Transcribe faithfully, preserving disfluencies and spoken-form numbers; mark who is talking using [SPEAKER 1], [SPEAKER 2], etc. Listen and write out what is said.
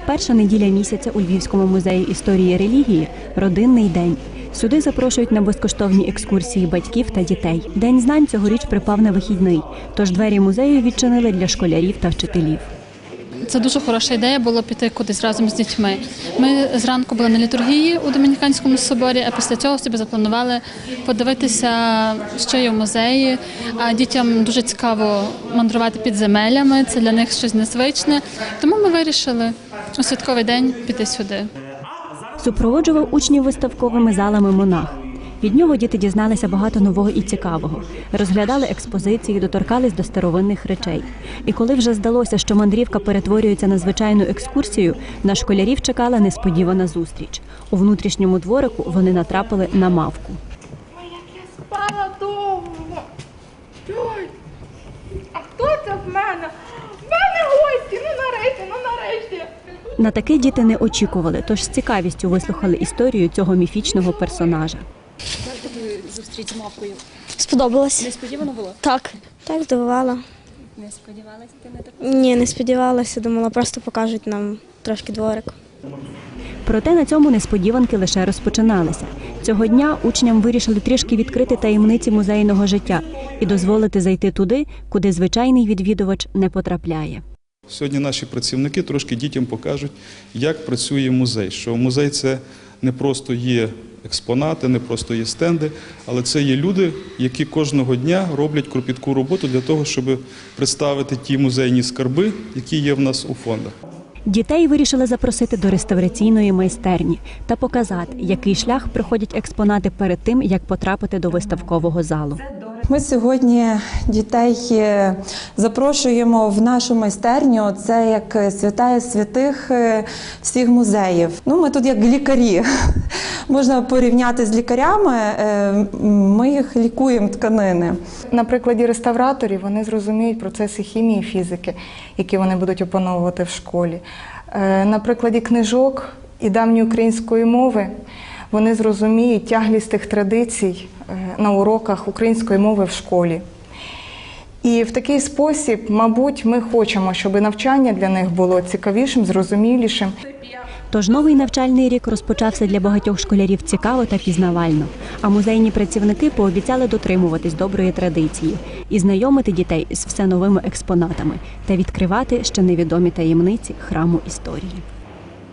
[SPEAKER 1] Перша неділя місяця у Львівському музеї історії і релігії – родинний день. Сюди запрошують на безкоштовні екскурсії батьків та дітей. День знань цьогоріч припав на вихідний, тож двері музею відчинили для школярів та вчителів.
[SPEAKER 2] Це дуже хороша ідея було піти кудись разом з дітьми. Ми зранку були на літургії у Домініканському соборі, а після цього собі запланували подивитися, що є в музеї. А дітям дуже цікаво мандрувати підземеллями, це для них щось незвичне. Тому ми вирішили у святковий день піти сюди.
[SPEAKER 1] Супроводжував учнів виставковими залами монах. Від нього діти дізналися багато нового і цікавого. Розглядали експозиції, доторкались до старовинних речей. І коли вже здалося, що мандрівка перетворюється на звичайну екскурсію, на школярів чекала несподівана зустріч. У внутрішньому дворику вони натрапили на мавку.
[SPEAKER 3] Ой, як я спала довго. Ой, а хто це в мене? В мене гості, ну нарешті, ну нарешті.
[SPEAKER 1] На таке діти не очікували, тож з цікавістю вислухали історію цього міфічного персонажа.
[SPEAKER 4] Як тобі зустріч з мавкою?
[SPEAKER 5] Сподобалось.
[SPEAKER 4] Несподівано було?
[SPEAKER 5] Так. Так, здивувала.
[SPEAKER 4] Не сподівалася ти на таку?
[SPEAKER 5] Ні, не сподівалася, думала, просто покажуть нам трошки дворик.
[SPEAKER 1] Проте на цьому несподіванки лише розпочиналися. Цього дня учням вирішили трішки відкрити таємниці музейного життя і дозволити зайти туди, куди звичайний відвідувач не потрапляє.
[SPEAKER 6] Сьогодні наші працівники трошки дітям покажуть, як працює музей. Що музей – це не просто є експонати, не просто є стенди, але це є люди, які кожного дня роблять кропітку роботу для того, щоб представити ті музейні скарби, які є в нас у фондах.
[SPEAKER 1] Дітей вирішили запросити до реставраційної майстерні та показати, який шлях проходять експонати перед тим, як потрапити до виставкового залу.
[SPEAKER 7] Ми сьогодні дітей запрошуємо в нашу майстерню. Це як святая святих всіх музеїв. Ну, ми тут як лікарі. Можна порівняти з лікарями, ми їх лікуємо тканини.
[SPEAKER 3] На прикладі реставраторів вони зрозуміють процеси хімії і фізики, які вони будуть опановувати в школі. На прикладі книжок і давньої української мови вони зрозуміють тяглість тих традицій на уроках української мови в школі. І в такий спосіб, мабуть, ми хочемо, щоб навчання для них було цікавішим, зрозумілішим.
[SPEAKER 1] Тож новий навчальний рік розпочався для багатьох школярів цікаво та пізнавально. А музейні працівники пообіцяли дотримуватись доброї традиції і знайомити дітей з все новими експонатами та відкривати ще невідомі таємниці храму історії.